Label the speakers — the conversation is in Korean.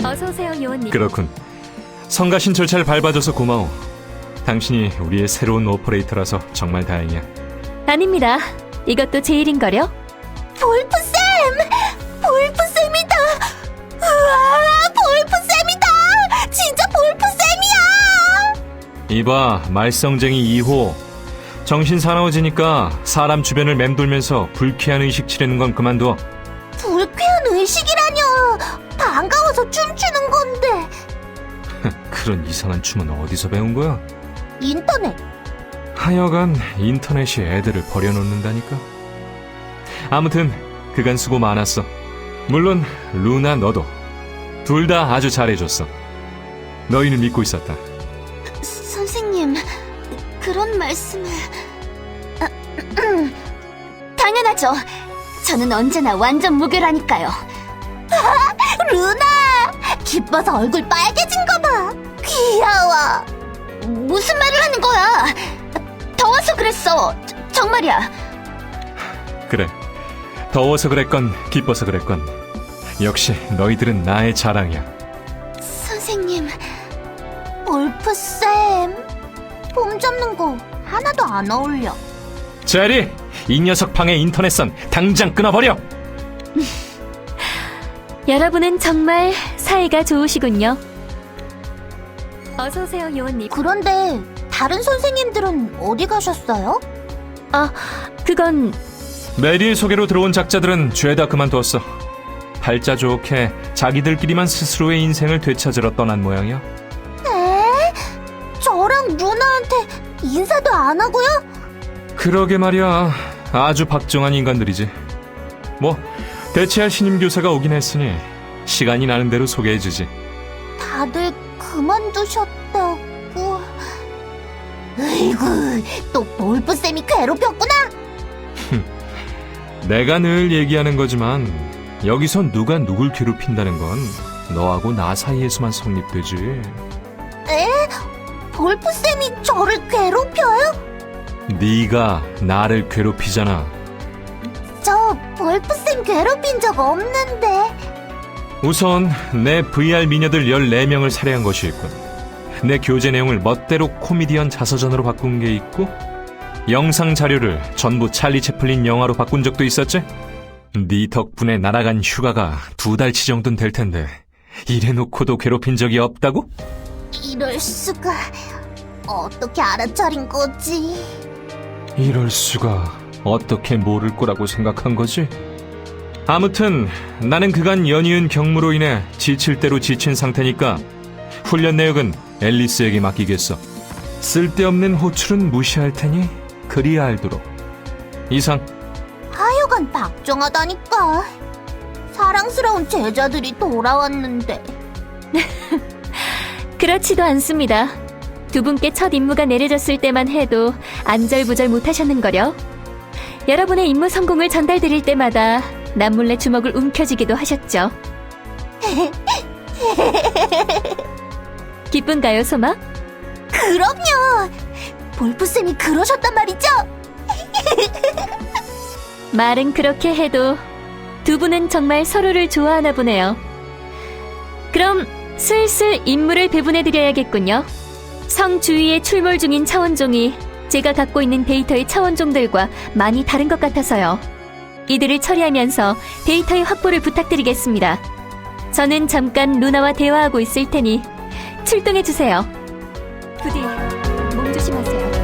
Speaker 1: 어서오세요, 요원님.
Speaker 2: 그렇군. 성가신 절차를 밟아줘서 고마워. 당신이 우리의 새로운 오퍼레이터라서 정말 다행이야.
Speaker 1: 아닙니다. 이것도 제 일인걸요?
Speaker 3: 볼프쌤! 볼프쌤이다! 우와, 볼프쌤이다! 진짜 볼프쌤이야!
Speaker 2: 이봐, 말썽쟁이 2호. 정신 사나워지니까 사람 주변을 맴돌면서 불쾌한 의식 치르는 건 그만둬.
Speaker 3: 불쾌한 의식이라뇨! 반가워서 춤추는 건데.
Speaker 2: 그런 이상한 춤은 어디서 배운 거야?
Speaker 3: 인터넷.
Speaker 2: 하여간 인터넷이 애들을 버려놓는다니까. 아무튼 그간 수고 많았어. 물론 루나 너도. 둘 다 아주 잘해줬어. 너희를 믿고 있었다.
Speaker 3: 선생님, 그런 말씀을... 당연하죠. 저는 언제나 완전 무결하니까요. 루나! 기뻐서 얼굴 빨개진 거 봐. 귀여워. 무슨 말을 하는 거야? 더워서 그랬어. 정말이야.
Speaker 2: 그래. 더워서 그랬건 기뻐서 그랬건 역시 너희들은 나의 자랑이야.
Speaker 3: 선생님, 볼프쌤. 폼 잡는 거 하나도 안 어울려.
Speaker 2: 제리! 이 녀석 방의 인터넷선 당장 끊어버려!
Speaker 1: 여러분은 정말 사이가 좋으시군요. 어서오세요, 요원님.
Speaker 3: 그런데 다른 선생님들은 어디 가셨어요?
Speaker 1: 아, 그건...
Speaker 2: 메리의 소개로 들어온 작자들은 죄다 그만두었어. 팔자 좋게 자기들끼리만 스스로의 인생을 되찾으러 떠난 모양이야.
Speaker 3: 에? 저랑 누나한테 인사도 안 하고요?
Speaker 2: 그러게 말이야. 아주 박정한 인간들이지. 뭐 대체할 신임 교사가 오긴 했으니 시간이 나는 대로 소개해주지.
Speaker 3: 다들 그만두셨다고... 으이구, 또 볼프쌤이 괴롭혔구나?
Speaker 2: 내가 늘 얘기하는 거지만 여기서 누가 누굴 괴롭힌다는 건 너하고 나 사이에서만 성립되지.
Speaker 3: 에? 볼프쌤이 저를 괴롭혀요?
Speaker 2: 네가 나를 괴롭히잖아.
Speaker 3: 저 볼프쌤 괴롭힌 적 없는데.
Speaker 2: 우선 내 VR 미녀들 14명을 살해한 것이 있군. 내 교재 내용을 멋대로 코미디언 자서전으로 바꾼 게 있고, 영상 자료를 전부 찰리 채플린 영화로 바꾼 적도 있었지? 네 덕분에 날아간 휴가가 2달치 정도는 될 텐데 이래놓고도 괴롭힌 적이 없다고?
Speaker 3: 이럴 수가... 어떻게 알아차린 거지?
Speaker 2: 이럴 수가. 어떻게 모를 거라고 생각한 거지? 아무튼 나는 그간 연이은 경무로 인해 지칠 대로 지친 상태니까 훈련 내역은 앨리스에게 맡기겠어. 쓸데없는 호출은 무시할 테니 그리 알도록. 이상.
Speaker 3: 하여간 박정하다니까. 사랑스러운 제자들이 돌아왔는데.
Speaker 1: 그렇지도 않습니다. 두 분께 첫 임무가 내려졌을 때만 해도 안절부절 못하셨는걸요. 여러분의 임무 성공을 전달드릴 때마다 남몰래 주먹을 움켜쥐기도 하셨죠. 기쁜가요, 소마?
Speaker 3: 그럼요. 볼프쌤이 그러셨단 말이죠?
Speaker 1: 말은 그렇게 해도 두 분은 정말 서로를 좋아하나 보네요. 그럼 슬슬 임무를 배분해드려야겠군요. 성 주위에 출몰 중인 차원종이 제가 갖고 있는 데이터의 차원종들과 많이 다른 것 같아서요. 이들을 처리하면서 데이터의 확보를 부탁드리겠습니다. 저는 잠깐 루나와 대화하고 있을 테니 출동해주세요. 부디 몸 조심하세요.